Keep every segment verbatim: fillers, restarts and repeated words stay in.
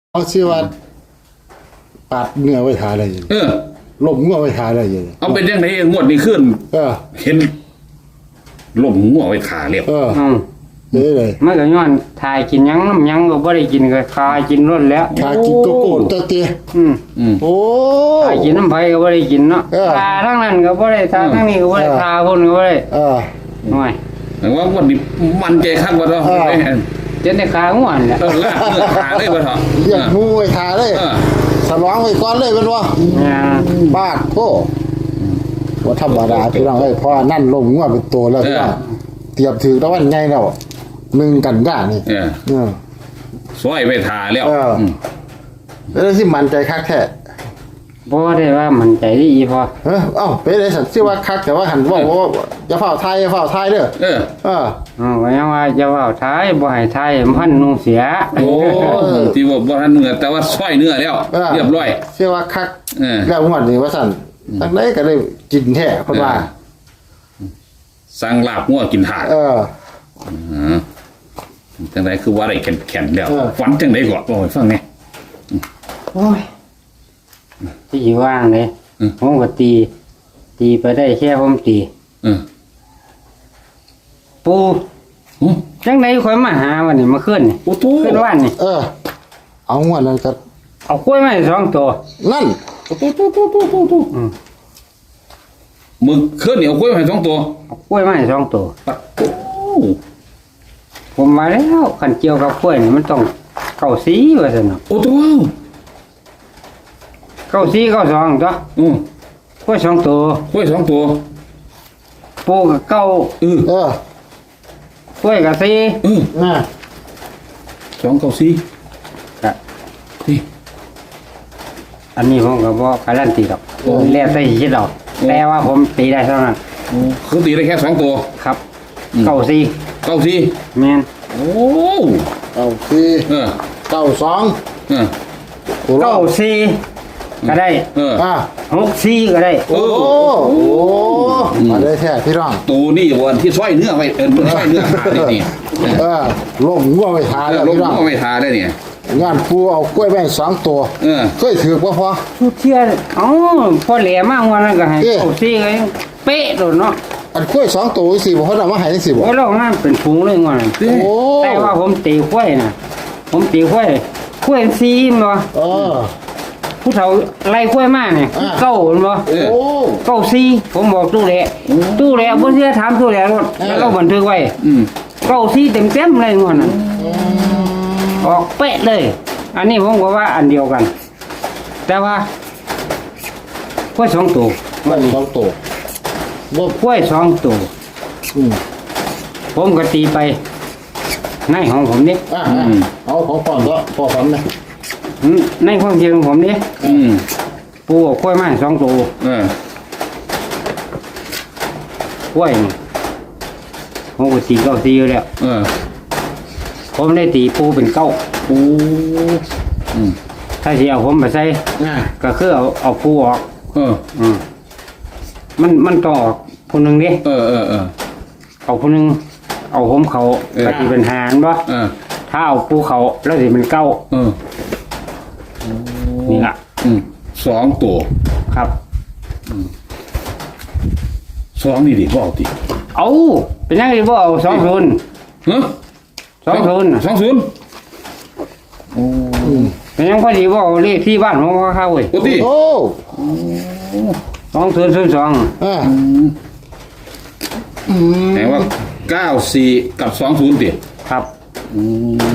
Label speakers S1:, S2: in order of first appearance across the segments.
S1: เอาชื่อว่าปาดเนื้อไว้ทาอะไรอย่าง
S2: เออ
S1: ลมงัวไว้ทาอะไรอย่าง
S2: เอาเป็นยังไงงวดนี้ขึ้น
S1: เออ
S2: เห็นลมงัวไว้ขาเรียบ
S1: เออ
S3: อืม
S1: เด้เลย
S3: มันก็ย้อนทายกินหยังน้ำหยังก็บ่ได้กินก็คายกินรดแล้ว
S1: ทากินโกโก้ตัวเตี้ย
S3: อืม
S2: อืม
S1: โอ้
S3: ทายกินน้ำไผก็บ่ได้กินเนาะ
S1: เออ
S3: ทาทั้งนั้นก็บ่ได้ทาทั้งนี้ก็บ่ได้
S1: เออ
S3: ทาคนก็บ่ได้
S1: เออ
S3: น้อย
S2: แต่ว่างวดนี้มันใจคักว่าเนาะ
S1: เออ
S3: เจ็ดในขาง่วนแหละ
S2: เออลากเนื้อขาเลยว่าเถอะ
S1: เรียกงูไว้ทาเลย
S2: เออ
S1: สลองไว้ก่อนเลยเป็นว่า
S3: เนี่ย
S1: บาดโอ้ว่าธรรมดาพี่น้องเอ้ยเพราะว่านั่นลมงัวเป็นตัวแล้วพี่น้องเตรียมถือตะวันไงแล้วหนึ่งกันย่านี่
S2: เออ
S1: เออ
S2: ซอยไปทาแล้ว
S1: เอออื
S2: ม
S1: แล้วที่มันใจคักแท้
S3: บ่ได้ว่ามันใจดีอีพอ
S1: เออเอ้าเป็นไอ้สัตว์ชื่อว่าคักแต่ว่าหันว่าว่าอย่าเฝ้าทายอย่าเฝ้าทายเด้อ
S2: เออ
S1: เออ
S3: อ๋อก็ยังว่าจะเว้าทายบ่ให้ทายมันพันนุ่งเสีย
S2: โอ้ที่ว่าบ่ทันเนื้อแต่ว่าซอยเนื้อแล้ว
S1: เออ
S2: เรียบร้อย
S1: เชื่อว่าคัก
S2: เออ
S1: แล้วงวดนี้ว่าสั่นตั้งไหนก็ได้กินแท้เพราะว่า
S2: สั่งลาบงัวกินถาด
S1: เออ
S2: เออจังไดคือว่าได้แข็งๆแล้ว
S1: เออ
S2: ฝันจังได๋ก็บ่ให้ฟังแหน่
S3: โอ้ยที่สิว่างเลย
S2: อืม
S3: ผมก็ตี ตีไปได้แค่ผมตี
S2: เออ
S3: ปู
S2: โอ้
S3: จังไดข่อยมาหาวันนี้มาขึ้นนี่
S2: โอ้โต
S3: ขึ้นว่านนี่
S1: เออ เอางวดนั้นก็
S3: เอากล้วยมาให้สองตัว
S1: นั่น
S2: โอ้โตโตโตโตโตโต
S3: อืม
S2: มึกขึ้นเหนียวกล้วยให้สองตัว
S3: เอากล้วยมาให้สองตัว
S2: ปัดโอ้
S3: ผมมาแล้วขันเกี่ยวกับกล้วยนี่มันต้องเก้าสีว่าซั่นเนาะ
S2: โอ้โต
S3: เก้าสีเก้าสองตัว
S2: อือก
S3: ล้วยสองตัว
S2: กล้วยสองตัว
S3: ปูกับเก้า
S2: เออ
S1: เออก
S3: ล้วยกับสี
S2: เออ
S1: น่ะ
S2: สองเก้าสี่
S3: ก็
S2: นี่
S3: อันนี้ผมก็บ่การันตีดอก
S2: โอ้
S3: แล้วแต่สิคิดเอา
S2: โอ้
S3: แต่ว่าผมตีได้เท่านั้น
S2: โอ้คือตีได้แค่สองตัว
S3: ครับ
S2: อืม
S3: เก้าสี
S2: เก้าสี่
S3: แม่น
S2: โอ้
S1: เอาสี่
S2: เออ
S1: เก้าสอง
S2: เออ
S1: โอ้โห
S3: เก้าสีก็ได้
S2: เออ
S1: อ่ะ
S3: หกสีก็ได้
S2: โอ้
S1: โอ้โหมาได้แท้พี่น้อง
S2: ตัวนี่วันที่ซอยเนื้อไว้เออซอยเนื้อขานี่นี่
S1: เออลมงัวไว้ทา
S2: เอ
S1: แล้
S2: อ
S1: ว
S2: ลง
S1: พี่น้อง
S2: ก็ไม่ทาได้เนี่ย
S1: งานปูเอากล้วยแม่งสองตัว
S2: เออ
S1: เคยถือบ่พอ
S3: ทุกเที่ยเอ้าพอแหลมากวันนั้นก็ให้
S1: เอ๊ะ
S3: เก้าสีก็ยังเป๊ะโดดเนาะ
S1: อันกล้วยสองตัวสี่บ่เขาเอามาให้สี่บ่
S3: โอ้ยเรางานเป็นฝูงเลยงอนนั้น
S1: โอ้
S3: แต่ว่าผมตีกล้วยน่ะ ผมตีกล้วยกล้วยซีมบ่
S1: เออ
S3: ผู้เฒ่าไล่กล้วยมาเนี่ย
S1: อ่า
S3: เก้าเห็นบ่
S2: เออ
S1: โอ้
S3: เก้าซีผมบอกตู้แหละตู้แหละบ่เสียถามตู้แหละรถ
S1: เออ
S3: แล้วเราบันทึกไว้
S2: อืม
S3: เก้าซีเต็มๆเลยงอนนั้นออกเป๊ะเลย อันนี้ผมก็ว่าอันเดียวกัน แต่ว่ากล้วยสองตัว
S1: กล้วยสองตัวบ่
S3: กล้วยสองตัว
S1: อืม
S3: ผมก็ตีไปในของผมนี่
S1: อ่ะอ่ะเอาของพ่อก็พ่อฝันนะ
S3: อืมในความคิดของผมนี่
S2: อืม
S3: ปูเอากล้วยมาให้สองตัว
S2: เออก
S3: ล้วยนี่ผมก็ตีเก้าตีอยู่แล้ว
S2: เออ
S3: ผมได้ตีปูเป็นเก้า
S2: โอ้อืม
S3: ถ้าสิเอาผมไปใส่
S1: อ่ะ
S3: ก็คือเอาเอาปูออก
S2: เออ
S3: อืมมันมันต้องออกผู้หนึ่งดิ
S2: เออเออเออ
S3: เอาผู้หนึ่งเอาผมเขา
S2: เออ
S3: ก็สิเป็นหารบ่
S2: เออ
S3: ถ้าเอาปูเขาแล้วสิเป็นเก้า
S2: เออ
S3: นี่ล่ะ
S2: อืมสองตัว
S3: ครับ
S2: สองนี่ดิบ่เอาติ
S3: เอาเป็นยังไงบ่เอาสองศูนย์
S2: ฮะ
S3: สองศูนย์
S2: สองศูนย์โอ้
S3: เป็นยังพอดีบ่เอาเลขที่บ้านผมก็เข้าเว้ย
S2: โอ้ติ
S1: โอ้
S3: สองศูนย์ศูนย์สอง
S1: อ่ะ
S2: อืม
S1: อืม
S2: แปลว่าเก้าสี่กับสองศูนย์ติ
S3: ครับ
S2: อืม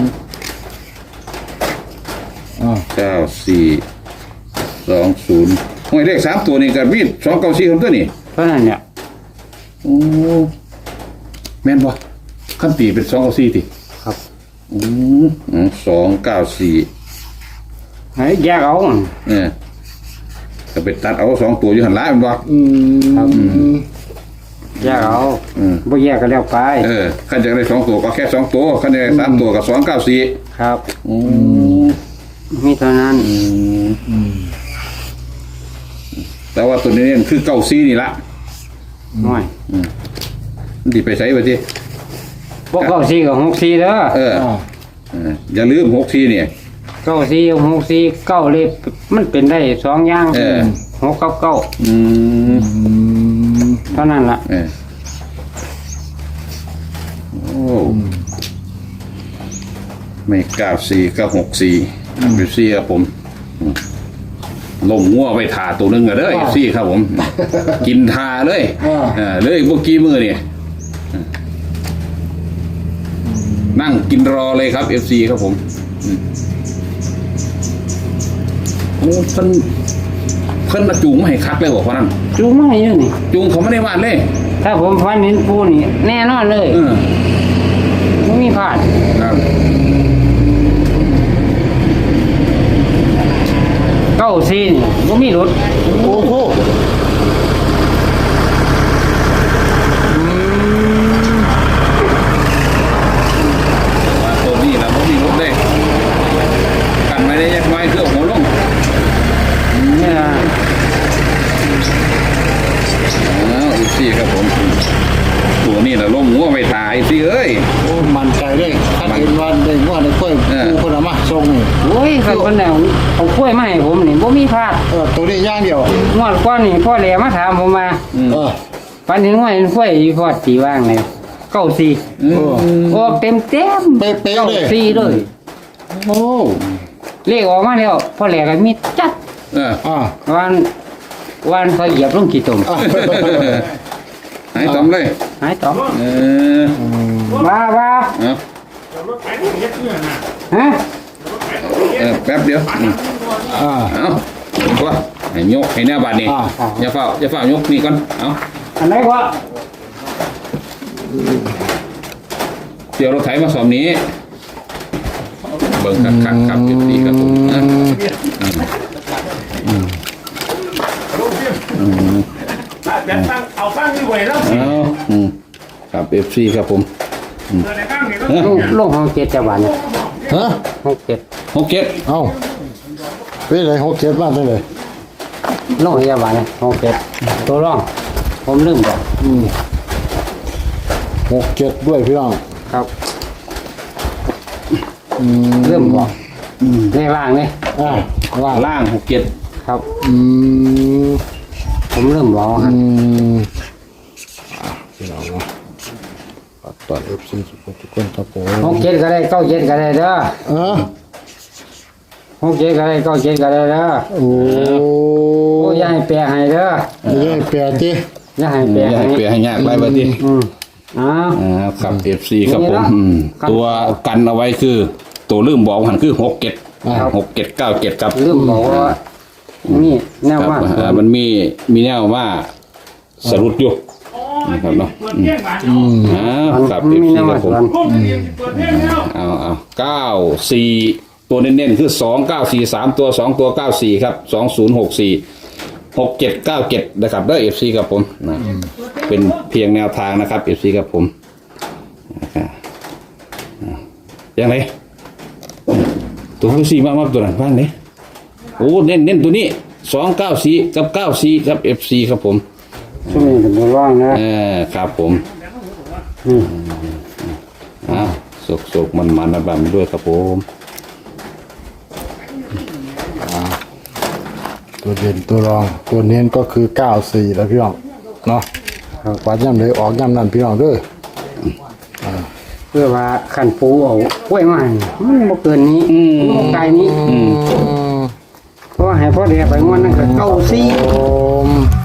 S1: อ่ะ
S2: เก้าสี่สองศูนย์ห้วยเลขสามตัวนี่กับมีดสองเก้าสี่คนตัวนี่
S3: เพราะนั้นเนี่ย
S2: โอ้แม่นบ่ขั้นตีเป็นสองเก้าสี่ติ
S3: ครับ
S2: อืมอืมสองเก้าสี่
S3: ให้แยกเอา
S2: เออก็ไปตัดเอาสองตัวอยู่หันหล้ายมันบ่
S1: อืม
S3: แยกเอา
S2: อืม
S3: บ่แยกก็แล้วไป
S2: เออขั้นจะได้สองตัวก็แค่สองตัวขั้นจะได้สามตัวก็สองเก้าสี่
S3: ครับ
S2: อืม
S3: มีเท่านั้น
S2: แต่ว่าตัวนี้เนี่ยคือเก้าสี่นี่ละ
S3: น้อย
S2: มันสิไปใช้ไปที่
S3: พวกเก้าสี่กับหกสี่เด้อ
S2: เออ
S1: อ่ะ
S2: เอออย่าลืมหกสี่เนี่ย
S3: เก้าสี่หกสี่เก้าเลยมันเป็นได้สองอย่าง
S2: เออ
S3: หกกับเก้า
S2: อืม
S1: อืม
S3: เท่านั้นล่ะ
S2: เออโอ้ไม่เก้าสี่เก้าหกสี่เอฟซีครับผมอืมลงงัวไปทาตัวหนึงอะเด้อเอฟซีครับผม กินทาเลยเออเลยพวกกี้มือเนี่ยนั่งกินรอเลยครับเอฟซีครับผมอืมโอ้เพิ่นเพิ่นมาจูงมาให้คักเลยบอกว่านั่น
S3: จูงมาให้เยอะนี่
S2: จูงเขาไม่ได้วาดเลย
S3: ถ้าผมฟันเห็นปูนี่แน่นอนเลย
S2: เออ
S3: ไม่มีพลาด
S2: ครับ
S3: เก้าสี่นี่ไม่มีรถ
S1: โอ้โห
S2: ว่าตัวนี้นะบ่มีรถเลยกันไม่ได้แยกไว้คือเอาหัวลง
S3: เนี่ย
S2: อ้าวอีกสี่ครับผม ตัวนี้นะลงงัวไปตายสิเอ้ย
S1: โอ้มันใจเลยถ้าเห็นว่าได้งวดได้ค่อย
S2: เออ
S1: ปูคนละมาส่งนี่
S3: โอ้ยคันคนแนวเอากล้วยมาให้ผมนี่ไม่มีพลาด
S1: เออตัวนี้อย่างเดียว
S3: งวดก้อนนี่พ่อแหลมาถามผมมา
S2: อืม
S1: เออ
S3: ฟันเห็นว่าเห็นกล้วยอีพอดสีว่างเลยเก้าสี่
S2: อื
S1: เออ
S2: ม
S3: ออกเต็มเต็ม
S1: เป๊ะๆเลย
S3: เก้าสี่เลย
S1: โอ้
S3: เลขออกมาแล้วพ่อแหลก็มีจัด
S2: เออ
S1: อ่า
S3: วันวันเขาเหยียบลงกี่ตุ่ม
S1: อ่า
S2: หายตอมเลย
S3: หายต่อ
S2: เออ
S3: มาบ้า
S2: เอา
S3: ฮะ
S2: เออแป๊บเดียวอืม
S1: อ่า
S2: เอาตัวให้ยกให้แน่บาดนี้
S1: อ่า
S2: อย่าเฝ้าอย่าเฝ้ายกนี่ก่อนเอา
S3: อันไหนวะ
S2: เดี๋ยวรถไถมาสอบนี้ เบิ่งคักคักๆครับเอฟซีครับผมนะ
S4: แต่ตั้งเอาตั้งนี่ไว้แล้ว
S2: เอาอืมครับเอฟซีครับผม
S4: เออในตั้งนี่ก็
S2: เอ้อ
S3: ลงห้องเจ็ดจังหวัดเนี่ย
S1: ฮะ
S3: ห้องเจ็ด
S2: หกเจ็ด
S1: เอ้าเป็นไรหกเจ็ดบ้านได้เลย
S3: ลงพยาบาลเนี่ยห้องเจ็ดตัวร่อง ผมลืมบอก
S1: อืมหกเจ็ดด้วยพี่น้อง
S3: ครับ
S1: อืม
S3: ลืมบอกในล่างเนี่ย
S1: อ่าว่า
S2: ล่างหกเจ็ด
S3: ครับ
S1: อืม
S3: ผมลืมบอกค
S1: อื
S3: รับ
S1: มอ่ะพี่น้องเนาะฝากตอนเอฟซีทุกคนทุกคนครับผม
S3: ห้องเจ็ดก็ได้เก้าเจ็ดก็ได้เด้อ
S1: เออ
S3: ห้องเจ็ดก็ได้เก้าเจ็ดก็ได้เด้อ
S1: โอ้
S3: โอ้ยอย่าให้แปลให้เด้อ
S1: ไม่ใช่แปดที่
S3: อย่าให้แปล
S2: อย่า
S3: ให้
S2: ให้เปลี่ยนให้ยากไรบ้างดิ
S3: อืมอ้าว
S2: อ่าครับเอฟซีครับผม
S3: นี่นะ
S2: อืม
S3: ครับ
S2: ตัวกันเอาไว้คือ ตัวลืมบอกหันคือหกเจ็ดหกเจ็ดเก้าเจ็ดครับ
S3: ลืมบอกว่านี่แนว
S2: ครับ
S3: ว่า
S2: อ่ามันมีมีแนวว่าสรุปอยู่นะครับเนาะ
S4: เปิดเพลงมา
S1: อืม
S2: อ่าครับ
S3: มัน
S2: เอฟ
S3: มี
S2: ซี
S3: แนว
S2: ครั
S3: ว่า
S2: บผม
S3: ส่วน
S4: พวกนี้เปิดเพลงแล้ว
S2: เอาเอาเก้าสี่ตัวเน้นๆคือสองเก้าสี่สามตัวสองตัวเก้าสี่ครับสองศูนย์หกสี่หกเจ็ดเก้าเจ็ดนะครับเด้อเอฟซีครับผมนะเป็นเพียงแนวทางนะครับเอฟซีครับผมอ่าอ่ายังไงตัวที่สี่มากๆตัวนั้นบ้างเนี่ยโอ้เน้นเน้นตัวนี้สองเก้าสี่กับเก้าสี่ครับเอฟซีครับผม
S3: ช่วงนี้เป็นตัวร่องนะ
S2: เออครับผม
S3: อืม
S2: อ้าวสุกๆมันๆนะบัมด้วยครับผม
S1: ตัวเด่นตัวรองตัวเน้นก็คือเก้าสี่แล้วพี่น้องเนาะวัดย่ำเลยออกย่ำนั่นพี่น้องเด้อ
S3: เพื่อว่าขันปูเอากล้วยมาให้มันบ่เกินนี้มันบ่ไกลนี้
S1: อืม
S3: เพราะว่าให้พ่อเดียไปงวดนั่นก็เก้าสี่
S1: โอม